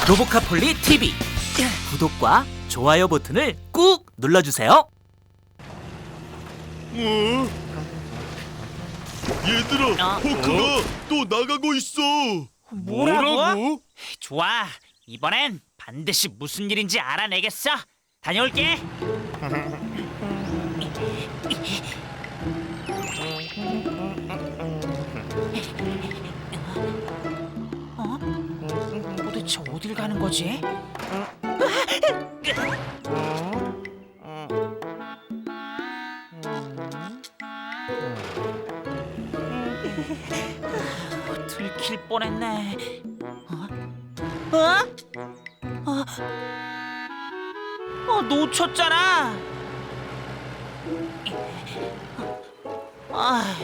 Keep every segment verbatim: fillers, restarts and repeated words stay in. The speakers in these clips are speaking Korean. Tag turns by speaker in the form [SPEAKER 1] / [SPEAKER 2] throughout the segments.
[SPEAKER 1] 로보카폴리 티비 구독과 좋아요 버튼을 꾹 눌러주세요.
[SPEAKER 2] 어? 얘들아,
[SPEAKER 1] 어?
[SPEAKER 2] 포크가 또 나가고 있어.
[SPEAKER 1] 뭐라고? 좋아, 이번엔 반드시 무슨 일인지 알아내겠어. 다녀올게. 어? 도대체 어딜 가는 거지? 들킬 뻔했네. 어? 어? 어? 어, 놓쳤잖아. 아.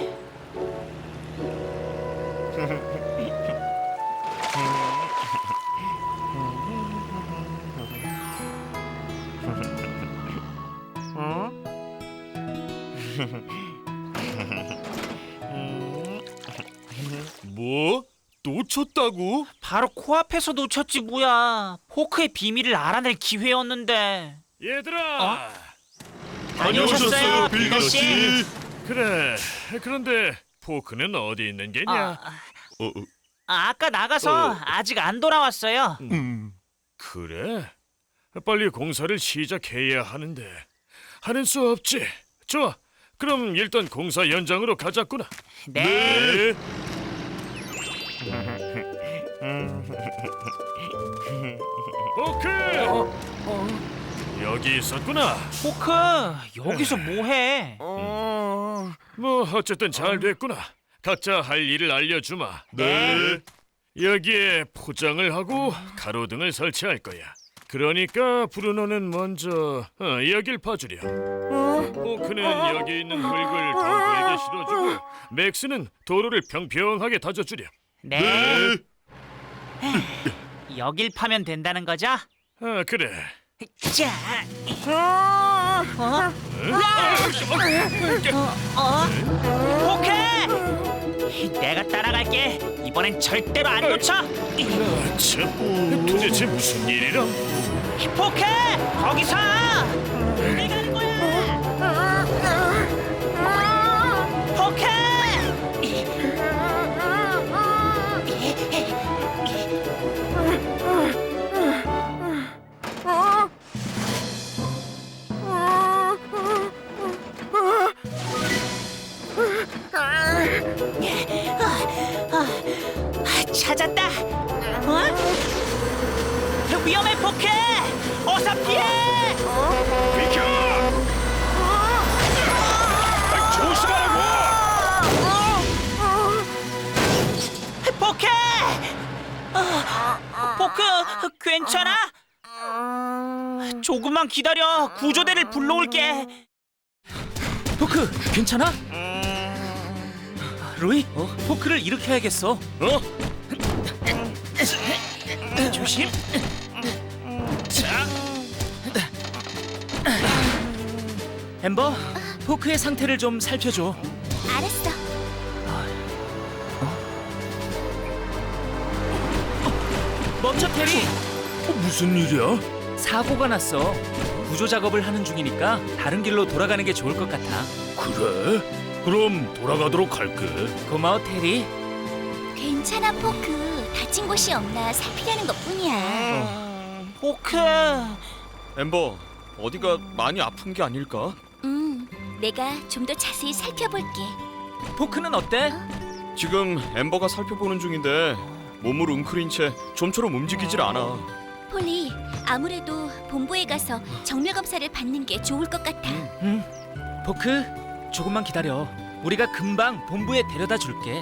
[SPEAKER 2] 뭐? 놓쳤다고?
[SPEAKER 1] 바로 코앞에서 놓쳤지 뭐야. 포크의 비밀을 알아낼 기회였는데.
[SPEAKER 3] 얘들아!
[SPEAKER 1] 어?
[SPEAKER 2] 다녀오셨어요,
[SPEAKER 1] 빌더 씨?
[SPEAKER 2] 빌더씨.
[SPEAKER 3] 그래, 그런데 포크는 어디 있는 게냐?
[SPEAKER 1] 아,
[SPEAKER 2] 어, 어,
[SPEAKER 1] 아, 아까 나가서
[SPEAKER 2] 어.
[SPEAKER 1] 아직 안 돌아왔어요.
[SPEAKER 2] 음.
[SPEAKER 3] 그래? 빨리 공사를 시작해야 하는데 하는 수 없지. 좋아, 그럼 일단 공사 현장으로 가자꾸나.
[SPEAKER 1] 네.
[SPEAKER 3] 포크! 여기 있었구나.
[SPEAKER 1] 포크, 여기서 뭐해?
[SPEAKER 3] 뭐 어쨌든 잘 됐구나. 각자 할 일을 알려주마.
[SPEAKER 2] 네.
[SPEAKER 3] 여기에 포장을 하고 가로등을 설치할 거야. 그러니까 브루노는 먼저 어, 여길 봐주렴. 포크는 여기 있는 흙을 덩굴에게 실어주고 맥스는 도로를 평평하게 다져주렴.
[SPEAKER 1] 네. 여길 파면 된다는 거죠?
[SPEAKER 3] 아 그래.
[SPEAKER 1] 자. 어? 어? 포크! 내가 따라갈게. 이번엔 절대로 안 놓쳐.
[SPEAKER 3] 아, 참, 도대체 무슨 일이람?
[SPEAKER 1] 포크! 거기서! 내가 하는 거야! 포크! 찾았다! 어? 위험해, 포크! 어서 피해!
[SPEAKER 3] 비켜! 조심하라고!
[SPEAKER 1] 포크! 어, 포크, 괜찮아? 조금만 기다려. 구조대를 불러올게. 포크, 괜찮아? 로이, 포크를 일으켜야겠어.
[SPEAKER 3] 어?
[SPEAKER 1] 조심. 자. 엠버, 포크의 상태를 좀 살펴줘.
[SPEAKER 4] 알았어.
[SPEAKER 1] 멈춰, 테리.
[SPEAKER 3] 어, 무슨 일이야?
[SPEAKER 1] 사고가 났어. 구조 작업을 하는 중이니까 다른 길로 돌아가는 게 좋을 것 같아.
[SPEAKER 3] 그래? 그럼 돌아가도록 할게.
[SPEAKER 1] 고마워, 테리.
[SPEAKER 4] 괜찮아, 포크. 다친 곳이 없나 살피려는 것뿐이야.
[SPEAKER 1] 포크.
[SPEAKER 5] 엠버, 어디가 많이 아픈 게 아닐까?
[SPEAKER 4] 음, 내가 좀 더 자세히 살펴볼게.
[SPEAKER 1] 포크는 어때?
[SPEAKER 5] 지금 엠버가 살펴보는 중인데 몸을 웅크린 채 좀처럼 움직이질 않아.
[SPEAKER 4] 폴리, 아무래도 본부에 가서 정밀 검사를 받는 게 좋을 것 같아.
[SPEAKER 1] 응. 포크, 조금만 기다려. 우리가 금방 본부에 데려다 줄게.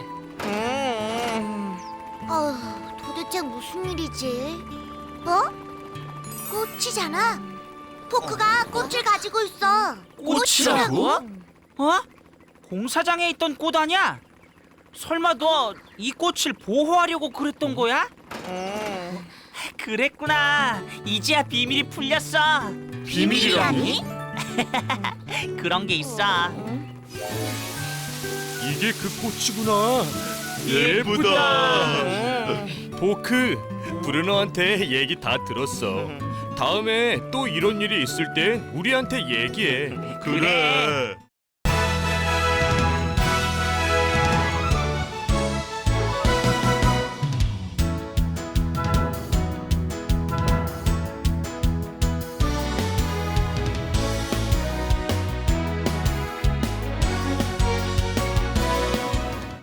[SPEAKER 4] 어, 도대체 무슨 일이지? 어? 꽃이잖아. 포크가 꽃을 가지고 있어.
[SPEAKER 1] 꽃이라고? 어? 공사장에 있던 꽃 아니야? 설마 너 이 꽃을 보호하려고 그랬던 거야? 그랬구나. 이제야 비밀이 풀렸어.
[SPEAKER 4] 비밀이라니?
[SPEAKER 1] 그런 게 있어.
[SPEAKER 3] 이게 그 꽃이구나.
[SPEAKER 2] 예쁘다.
[SPEAKER 3] 포크, 브루노한테 얘기 다 들었어. 다음에 또 이런 일이 있을 땐 우리한테 얘기해.
[SPEAKER 2] 그래.